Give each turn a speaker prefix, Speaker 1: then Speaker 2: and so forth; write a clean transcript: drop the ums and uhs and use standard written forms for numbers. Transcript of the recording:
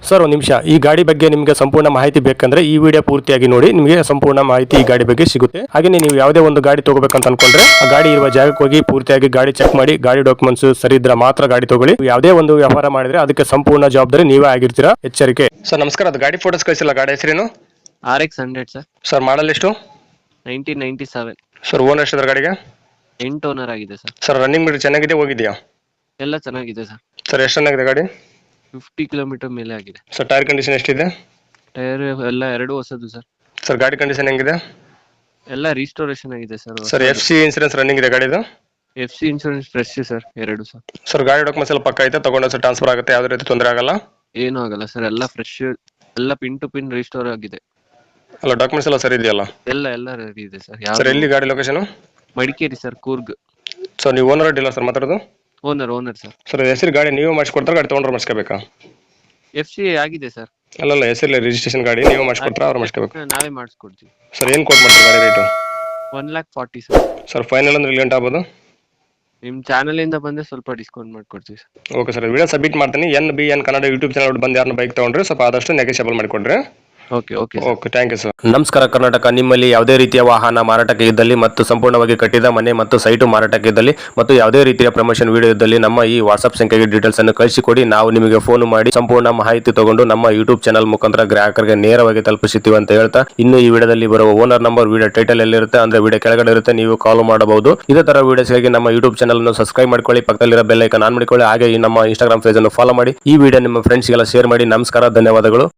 Speaker 1: Sir ಒಂದು ನಿಮಿಷ, ಈ ಗಾಡಿ ಬಗ್ಗೆ ನಿಮಗೆ ಸಂಪೂರ್ಣ ಮಾಹಿತಿ ಬೇಕಂದ್ರೆ ಈ ವಿಡಿಯೋ ಪೂರ್ತಿಯಾಗಿ ನೋಡಿ, ನಿಮಗೆ ಸಂಪೂರ್ಣ ಮಾಹಿತಿ ಈ ಗಾಡಿ ಬಗ್ಗೆ ಸಿಗುತ್ತೆ. ಹಾಗೆ ನೀವು ಯಾವುದೇ ಒಂದು ಗಾಡಿ ತಗೋಬೇಕಂತ ಅನ್ಕೊಂಡ್ರೆ ಆ ಗಾಡಿ ಇರುವ ಜಾಗಕ್ಕೆ ಹೋಗಿ ಪೂರ್ತಿಯಾಗಿ ಗಾಡಿ ಚೆಕ್ ಮಾಡಿ, ಗಾಡಿ ಡಾಕ್ಯುಮೆಂಟ್ಸ್ ಸರಿ ಇದ್ರೆ ಮಾತ್ರ ಗಾಡಿ ತಗೊಳ್ಳಿ. ಯಾವುದೇ ಒಂದು ವ್ಯವಹಾರ ಮಾಡಿದ್ರೆ ಅದಕ್ಕೆ ಸಂಪೂರ್ಣ ಜವಾಬ್ದಾರಿ ನೀವೇ ಆಗಿರ್ತೀರಾ, ಎಚ್ಚರಿಕೆ. ಸರ್ ನಮಸ್ಕಾರ, ಅದು ಗಾಡಿ ಫೋಟೋಸ್ ಕಳಿಸಿಲ್ಲ, ಗಾಡಿ ಹೆಸರೇನು?
Speaker 2: RX 100 sir.
Speaker 1: ಸರ್ ಮಾಡಲ್ ಎಷ್ಟು?
Speaker 2: 1997.
Speaker 1: ಸರ್ ಓನರ್ ಎಷ್ಟಿದ್ರೆ ಗಾಡಿಗೆ?
Speaker 2: 8 ಓನರ್ ಆಗಿದೆ ಸರ್.
Speaker 1: ಸರ್ ರನ್ನಿಂಗ್ ಮೀಟರ್ ಚೆನ್ನಾಗಿದೆ, ಹೋಗಿದೆಯಾ?
Speaker 2: ಎಲ್ಲ ಚೆನ್ನಾಗಿದೆ ಸರ್.
Speaker 1: ಸರ್ ಎಷ್ಟು ಚೆನ್ನಾಗಿದೆ ಗಾಡಿ?
Speaker 2: 50 ಕಿಲೋಮೀಟರ್ ಮೇಲೆ ಆಗಿದೆ.
Speaker 1: ಸರ್ ಟೈರ್ ಕಂಡೀಷನ್ ಎಷ್ಟಿದೆ?
Speaker 2: ಟೈರ್ ಎಲ್ಲ ಎರಡು ಹೊಸದು ಸರ್.
Speaker 1: ಸರ್ ಗಾಡಿ ಕಂಡೀಷನ್ ಹೆಂಗಿದೆ?
Speaker 2: ಎಲ್ಲ ರೀಸ್ಟೋರೇಷನ್ ಆಗಿದೆ sir.
Speaker 1: Sir FC insurance running ಇದೆ ಗಾಡಿದು?
Speaker 2: FC ಇನ್ಶೂರೆನ್ಸ್ ಫ್ರೆಶ್ ಸರ್, ಎರಡು ಸರ್.
Speaker 1: ಸರ್ ಗಾಡಿ ಡಾಕ್ಯುಮೆಂಟ್ಸ್ ಎಲ್ಲ ಪಕ್ಕ ಐತೆ, ತಗೊಂಡು ಸರ್ ಟ್ರಾನ್ಸ್ಫರ್ ಆಗುತ್ತೆ, ಯಾವುದೇ ರೀತಿ ತೊಂದರೆ ಆಗಲ್ಲ?
Speaker 2: ಏನೂ ಆಗಲ್ಲ ಸರ್, ಎಲ್ಲ ಫ್ರೆಶ್, ಎಲ್ಲ ಪಿನ್ ಟು ಪಿನ್ ರೀಸ್ಟೋರ್ ಆಗಿದೆ.
Speaker 1: ಅಲ್ಲ ಡಾಕ್ಯುಮೆಂಟ್ಸ್ ಎಲ್ಲ ಸರಿ ಇದೆಯಲ್ಲ?
Speaker 2: ಎಲ್ಲ ರೆಡಿ ಇದೆ ಸರ್.
Speaker 1: ಸರ್ ಎಲ್ಲಿ ಗಾಡಿ location?
Speaker 2: Madikeri sir, Coorg.
Speaker 1: Sir ನೀವು ಓನರ್ ಅಡ್ಡಿಲ್ಲ ಸರ್ ಮಾತಾಡೋದು?
Speaker 2: Owner sir.
Speaker 1: ಸರ್ ಹೆಸರು ಗಾಡಿ ನೀವು ಮಾಡಿಸ್ಕೊಡ್ತಾರೆ, ಗಾಡಿ ತೊಗೊಂಡ್ರೆ ಮಾಡಿಸ್ಕೋಬೇಕಾ?
Speaker 2: FC ಆಗಿದೆ ಸರ್.
Speaker 1: ಅಲ್ಲಲ್ಲ ಹೆಸರಲ್ಲಿ ರಿಜಿಸ್ಟ್ರೇಷನ್ ಗಾಡಿ ನೀವು ಮಾಡಿಸ್ಕೊಡ್ತಾರೆ, ಅವ್ರು ಮಾಡಿಸ್ಕೋಬೇಕು?
Speaker 2: ನಾವೇ ಮಾಡಿಸ್ಕೊಡ್ತೀವಿ.
Speaker 1: ಸರ್ ಏನು ಕೋಟ್ ಮಾಡ್ತಾರೆ ಗಾಡಿ ರೇಟು?
Speaker 2: 1,40,000 ಸರ್.
Speaker 1: ಸರ್ ಫೈನಲ್ ಅಂದ್ರೆ ಲೇಟ್ ಆಗ್ಬೋದು?
Speaker 2: ನಿಮ್ಮ ಚಾನಲ್ ಇಂದ ಬಂದ್ರೆ ಸ್ವಲ್ಪ ಡಿಸ್ಕೌಂಟ್ ಮಾಡ್ಕೊಡ್ತೀವಿ sir.
Speaker 1: Okay sir, video submit ಮಾಡ್ತೀನಿ. NBN ಕನ್ನಡ ಯೂಟ್ಯೂಬ್ ಚಾನಲ್ ಬಂದು ಯಾರನ್ನ ಬೈಕ್ ತೊಗೊಂಡ್ರೆ ಸ್ವಲ್ಪ ಆದಷ್ಟು ನೆಗೋಷಿಯಬಲ್ ಮಾಡಿಕೊಡ್ರಿ.
Speaker 2: Okay
Speaker 1: thank you sir. ನಮಸ್ಕಾರ ಕರ್ನಾಟಕ, ನಿಮ್ಮಲ್ಲಿ ಯಾವುದೇ ರೀತಿಯ ವಾಹನ ಮಾರಾಟಕ್ಕೆ ಇದ್ದಲ್ಲಿ ಮತ್ತು ಸಂಪೂರ್ಣವಾಗಿ ಕಟ್ಟಿದ ಮನೆ ಮತ್ತು ಸೈಟು ಮಾರಾಟಕ್ಕೆ ಇದ್ದಲ್ಲಿ ಮತ್ತು ಯಾವುದೇ ರೀತಿಯ ಪ್ರಮೋಷನ್ ವಿಡಿಯೋ ಇದ್ದಲ್ಲಿ ನಮ್ಮ ಈ ವಾಟ್ಸ್ಆಪ್ ಸಂಖ್ಯೆಗೆ ಡೀಟೇಲ್ಸ್ ಅನ್ನು ಕಳಿಸಿಕೊಡಿ. ನಾವು ನಿಮಗೆ ಫೋನ್ ಮಾಡಿ ಸಂಪೂರ್ಣ ಮಾಹಿತಿ ತಗೊಂಡು ನಮ್ಮ ಯೂಟ್ಯೂಬ್ ಚಾನಲ್ ಮುಖಾಂತರ ಗ್ರಾಹಕರಿಗೆ ನೇರವಾಗಿ ತಲುಪಿಸುತ್ತೀವಿ ಅಂತ ಹೇಳ್ತಾ, ಇನ್ನು ಈ ವಿಡಿಯೋದಲ್ಲಿ ಬರುವ ಓನರ್ ನಂಬರ್ ವಿಡಿಯೋ ಟೈಟಲ್ ಎಲ್ಲಿರುತ್ತೆ ಅಂದ್ರೆ ವಿಡಿಯೋ ಕೆಳಗಡೆ ಇರುತ್ತೆ, ನೀವು ಕಾಲ್ ಮಾಡಬಹುದು. ಇದೇ ತರ ವಿಡಿಯೋಸ್ಗಾಗಿ ನಮ್ಮ ಯೂಟ್ಯೂಬ್ ಚಾನಲ್ ಅನ್ನು ಸಬ್ಸ್ಕ್ರೈಬ್ ಮಾಡ್ಕೊಳ್ಳಿ, ಪಕ್ಕದಲ್ಲಿರೋ ಬೆಲ್ ಐಕಾನ್ ಆನ್ ಮಾಡಿಕೊಳ್ಳಿ. ಹಾಗೆ ಈ ನಮ್ಮ ಇನ್ಸ್ಟಾಗ್ರಾಮ್ ಪೇಜ್ ಅನ್ನು ಫಾಲೋ ಮಾಡಿ. ಈ ವಿಡಿಯೋ ನಿಮ್ಮ ಫ್ರೆಂಡ್ಸ್ಗೆಲ್ಲ ಶೇರ್ ಮಾಡಿ. ನಮಸ್ಕಾರ, ಧನ್ಯವಾದಗಳು.